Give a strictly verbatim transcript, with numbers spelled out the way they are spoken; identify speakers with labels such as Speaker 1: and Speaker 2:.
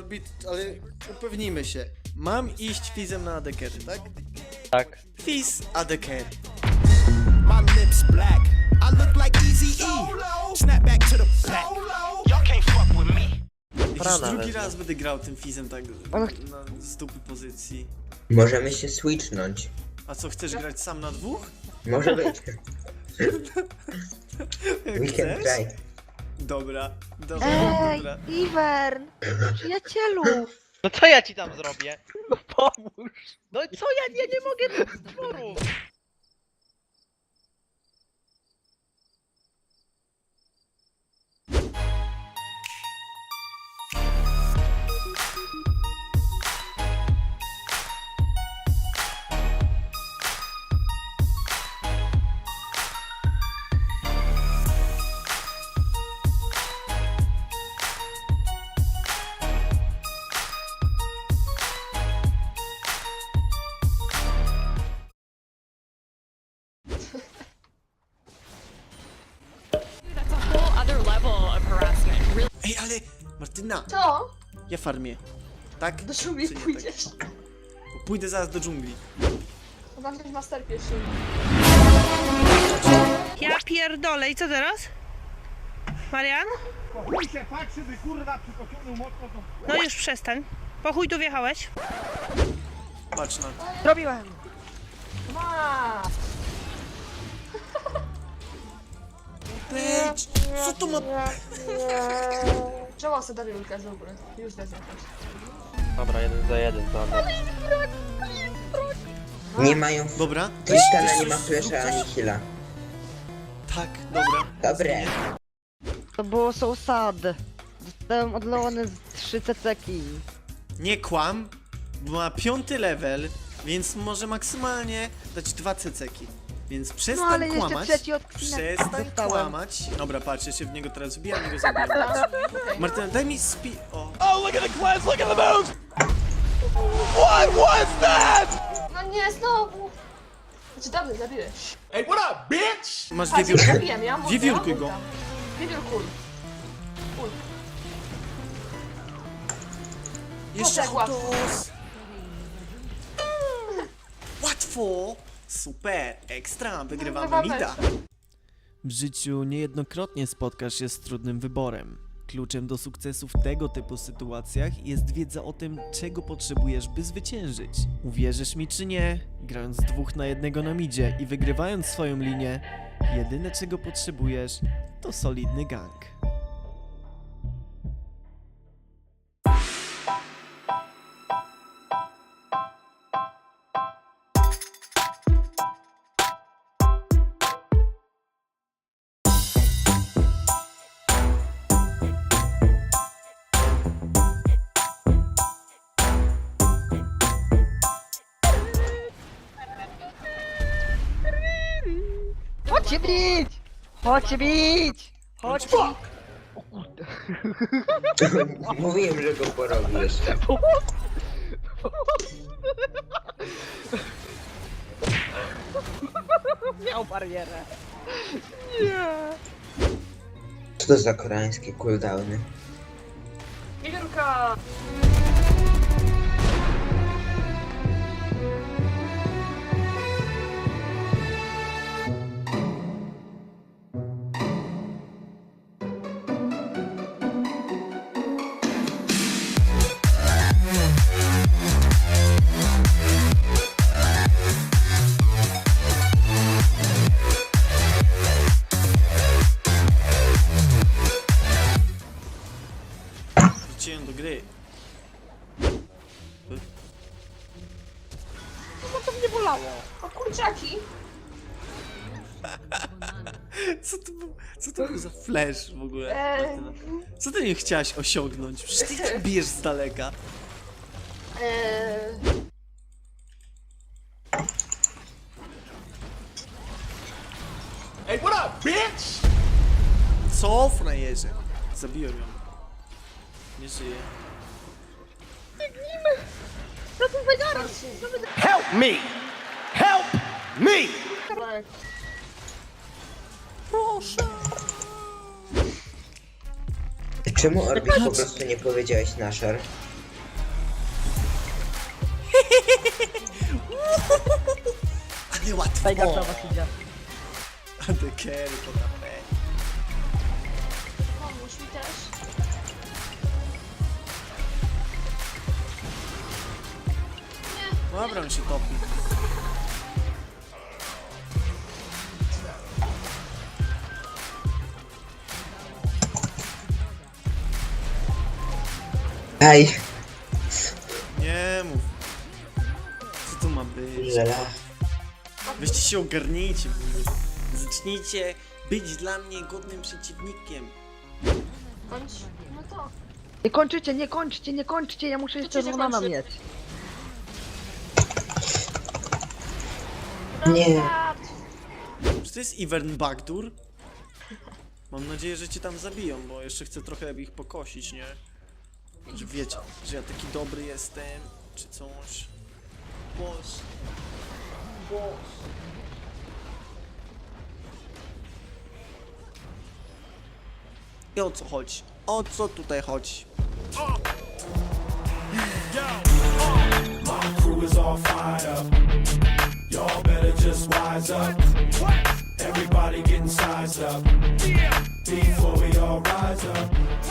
Speaker 1: Orbit, ale upewnijmy się. Mam iść Fizem na adekery, tak?
Speaker 2: Tak.
Speaker 1: Fiz adekery.
Speaker 3: My lips black. I look like Easy E. Snap back to the back. Y'all can't fuck with me.
Speaker 1: Już
Speaker 2: Frana
Speaker 1: drugi
Speaker 2: wezmę.
Speaker 1: raz będę grał tym Fizem tak na stupy pozycji.
Speaker 4: Możemy się switchnąć.
Speaker 1: A co, chcesz grać sam na dwóch?
Speaker 4: Może być.
Speaker 1: Jak
Speaker 4: We can
Speaker 1: chcesz?
Speaker 4: try.
Speaker 1: Dobra, dobra,
Speaker 5: Ej,
Speaker 1: dobra.
Speaker 5: Ivern! Przyjacielu!
Speaker 2: No co ja ci tam zrobię? No pomóż. No co ja, ja nie mogę tych stworów.
Speaker 6: That's a whole other level of harassment. Really.
Speaker 1: Ej, ale Martyna,
Speaker 5: Co?
Speaker 1: ja farmię. Tak?
Speaker 5: Do dżungli
Speaker 1: Czy nie
Speaker 5: pójdziesz?
Speaker 1: Tak? Pójdę zaraz do dżungli.
Speaker 5: Mam też master pierwszy.
Speaker 7: Ja pierdolę, i co teraz? Marian?
Speaker 8: Chuj się patrzy, by kurwa przypociągnął mocno to...
Speaker 7: No już przestań. Po chuj tu wjechałeś?
Speaker 1: Patrz na to.
Speaker 5: Zrobiłem! Ma!
Speaker 1: Peć, co to ma...
Speaker 5: Czemu sobie dali ulkę w ogóle? Już da jakoś.
Speaker 2: Dobra, jeden za jeden, to one.
Speaker 4: Nie mają...
Speaker 1: Dobra.
Speaker 4: Tristana nie ma flesza ani heala.
Speaker 1: Tak, dobra.
Speaker 4: Dobre.
Speaker 9: To było so sad. Dostałem odlone z trzy ceceki.
Speaker 1: Nie kłam, bo ma piąty level, więc może maksymalnie dać dwa ceceki. Więc przestań
Speaker 9: No ale jeszcze
Speaker 1: kłamać.
Speaker 9: trzeci odcinek
Speaker 1: Przestań
Speaker 9: dostałem.
Speaker 1: kłamać. Dobra, patrz, ja się w niego teraz wbijam i go zabijam. Martyna, daj mi spi... O.
Speaker 3: Oh, look at the class, look at the move! What was that?
Speaker 5: No nie, znowu! Znaczy dobrze, zabiłeś.
Speaker 3: Hey, what up, bitch?
Speaker 1: Masz
Speaker 5: Patrz,
Speaker 1: wiewiórkę?
Speaker 5: zabiłem, ja mam ultę,
Speaker 1: Wiewiórkuj
Speaker 5: ja mam
Speaker 1: go.
Speaker 5: ulta. Wiewiórkuj. Ul.
Speaker 1: Jeszcze
Speaker 5: tak łatwo.
Speaker 1: autos. Łatwo. Super, ekstra, wygrywamy
Speaker 5: Wygrywamy.
Speaker 1: mida. W życiu niejednokrotnie spotkasz się z trudnym wyborem. Kluczem do sukcesu w tego typu sytuacjach jest wiedza o tym, czego potrzebujesz, by zwyciężyć. Uwierzysz mi czy nie, grając dwóch na jednego na midzie i wygrywając swoją linię, jedyne czego potrzebujesz to solidny gank.
Speaker 9: Chodźcie bić! Chodźcie bić! Chodźcie bić!
Speaker 4: Mówiłem, że go porobisz.
Speaker 9: Miał barierę.
Speaker 4: Co to za koreańskie cooldowny?
Speaker 5: Wiewiórka!
Speaker 1: Wróciłem do gry.
Speaker 5: O kurczaki!
Speaker 1: Co to był, co to był za flash w ogóle?
Speaker 5: Eee.
Speaker 1: Martyna? Co ty nie chciałaś osiągnąć? Przecież ty tak bijesz z daleka.
Speaker 5: Eee...
Speaker 3: Hey, what up, bitch?
Speaker 1: Co, frajerze? Zabiłem ją. Nie żyje.
Speaker 3: Help me! Help me!
Speaker 5: Tak.
Speaker 4: Czemu Orbit po prostu nie powiedziałeś Nashor?
Speaker 1: A nie łatwo.
Speaker 9: Fajka na was idzie.
Speaker 1: A the carry to K P.
Speaker 5: Pomóż mi też.
Speaker 1: Dobra, on się topi.
Speaker 4: Aj,
Speaker 1: Nie mów. Co to ma być?
Speaker 4: żela.
Speaker 1: Weźcie się ogarnijcie. Zacznijcie być dla mnie godnym przeciwnikiem.
Speaker 5: Bądź, no to.
Speaker 9: Nie kończycie, nie kończcie, nie kończcie, ja muszę jeszcze
Speaker 5: się
Speaker 9: Runana
Speaker 5: kończy?
Speaker 9: mieć.
Speaker 4: Nie.
Speaker 1: Czy to jest Ivern Backdoor? Mam nadzieję, że cię tam zabiją, bo jeszcze chcę trochę ich pokosić, nie? Że wiecie, że ja taki dobry jestem, czy coś. Boss. Boss. I o co chodzi? O co tutaj chodzi?
Speaker 3: Crew is all fired up. Y'all better just wise up. Everybody getting sized up. Before we all rise up.